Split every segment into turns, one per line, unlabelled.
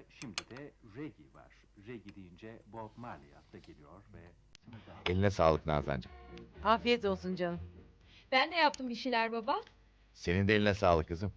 şimdi de Regi var. Regi deyince Bob Marley akla geliyor ve...
Eline sağlık Nazancığım.
Afiyet olsun canım.
Ben de yaptım bir şeyler baba.
Senin de eline sağlık kızım.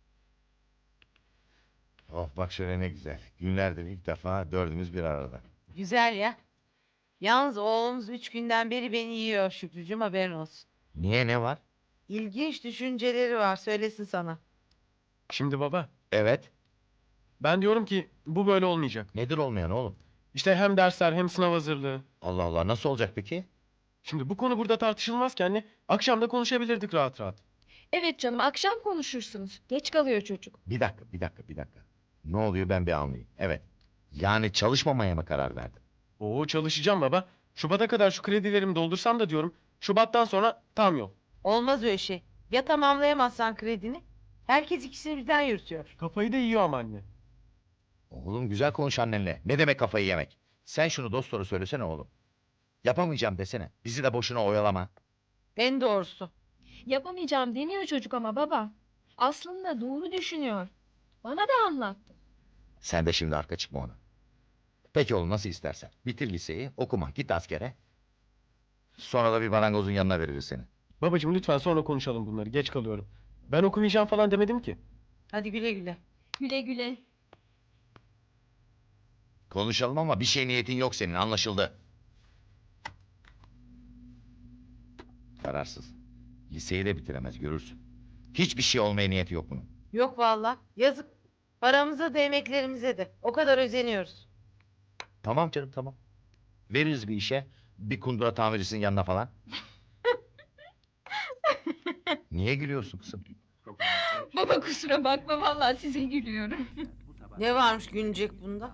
Oh bak şöyle ne güzel. Günlerdir ilk defa dördümüz bir arada.
Güzel ya. Yalnız oğlumuz 3 günden beri beni yiyor Şükrücüğüm, haberin olsun.
Niye, ne var?
İlginç düşünceleri var, söylesin sana.
Şimdi baba,
Evet.
ben diyorum ki bu böyle olmayacak.
Nedir olmayan oğlum?
İşte hem dersler hem sınav hazırlığı.
Allah Allah, nasıl olacak peki?
Şimdi bu konu burada tartışılmazken anne, akşam da konuşabilirdik rahat rahat.
Evet canım, akşam konuşursunuz. Geç kalıyor çocuk.
Bir dakika. Ne oluyor ben bir anlayayım. Evet. Yani çalışmamaya mı karar verdin?
Oo, çalışacağım baba. Şubat'a kadar şu kredilerimi doldursam da diyorum. Şubat'tan sonra tam yol.
Olmaz öyle şey. Ya tamamlayamazsan kredini? Herkes ikisini birden yürütüyor.
Kafayı da yiyor ama anne.
Oğlum güzel konuş annenle. Ne demek kafayı yemek? Sen şunu dost doğru söylesene oğlum. Yapamayacağım desene. Bizi de boşuna oyalama.
En doğrusu.
Yapamayacağım demiyor çocuk ama baba. Aslında doğru düşünüyor. Bana da anlattı.
Sen de şimdi arka çıkma ona. Peki oğlum nasıl istersen. Bitir liseyi, okuma, git askere. Sonra da bir marangozun yanına veririz seni.
Babacığım lütfen sonra konuşalım bunları. Geç kalıyorum. Ben okumayacağım falan demedim ki.
Hadi güle güle.
Güle güle.
Konuşalım ama bir şey niyetin yok senin, anlaşıldı. Kararsız. Liseyi de bitiremez, görürsün. Hiçbir şey olmaya niyeti yok bunun.
Yok vallahi, yazık. Paramıza da emeklerimize de. O kadar özeniyoruz.
Tamam canım, tamam. Veririz bir işe, bir kundura tamircisinin yanına falan. Niye gülüyorsun kızım?
Baba kusura bakma, vallahi size gülüyorum.
Ne varmış gülünecek bunda?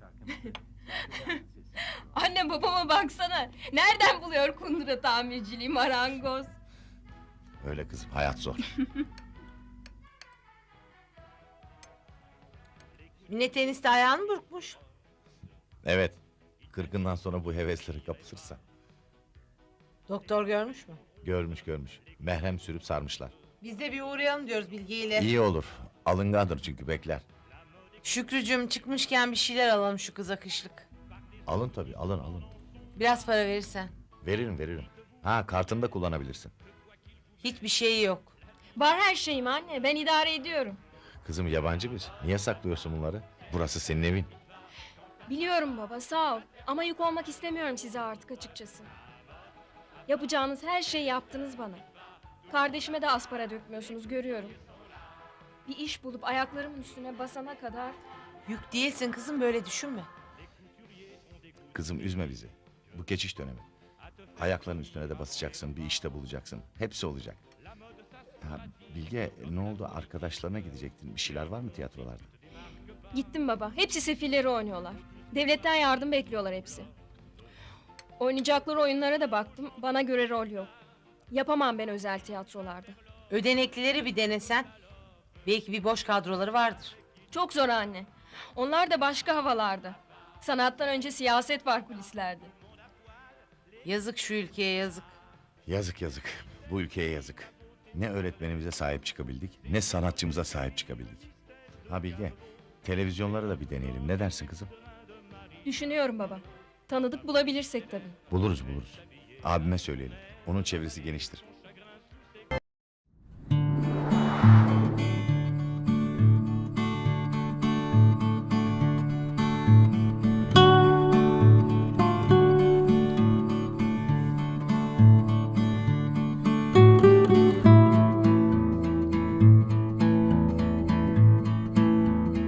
Anne babama baksana. Nereden buluyor kundura tamirciliği, marangoz?
Öyle kızım, hayat zor.
Mine teniste ayağını burkmuş.
Evet, 40'ından sonra bu hevesleri kapatırsa.
Doktor görmüş mü?
Görmüş. Merhem sürüp sarmışlar.
Biz de bir uğrayalım diyoruz Bilge ile.
İyi olur. Alıngandır çünkü bekler.
Şükrücüğüm, çıkmışken bir şeyler alalım şu kıza kışlık.
Alın tabii, alın.
Biraz para verirsen.
Veririm. Ha, kartını da kullanabilirsin.
Hiçbir şey yok.
Var her şeyim anne, ben idare ediyorum.
Kızım yabancı biz. Niye saklıyorsun bunları? Burası senin evin.
Biliyorum baba, sağ ol. Ama yük olmak istemiyorum size artık açıkçası. Yapacağınız her şeyi yaptınız bana. Kardeşime de az para dökmüyorsunuz, görüyorum. Bir iş bulup ayaklarımın üstüne basana kadar...
Yük değilsin kızım, böyle düşünme.
Kızım üzme bizi. Bu geçiş dönemi. Ayakların üstüne de basacaksın, bir işte bulacaksın. Hepsi olacak. Ha, Bilge ne oldu? Arkadaşlarına gidecektin. Bir şeyler var mı tiyatrolarda?
Gittim baba, hepsi sefilleri oynuyorlar. Devletten yardım bekliyorlar hepsi. Oynayacakları oyunlara da baktım, bana göre rol yok. Yapamam ben özel tiyatrolarda.
Ödeneklileri bir denesen. Belki bir boş kadroları vardır.
Çok zor anne. Onlar da başka havalarda. Sanattan önce siyaset var kulislerde.
Yazık şu ülkeye, yazık.
Yazık. Bu ülkeye yazık. Ne öğretmenimize sahip çıkabildik, ne sanatçımıza sahip çıkabildik. Ha Bilge, televizyonları da bir deneyelim. Ne dersin kızım?
Düşünüyorum baba. Tanıdık bulabilirsek tabii.
Buluruz. Abime söyleyelim. Onun çevresi geniştir.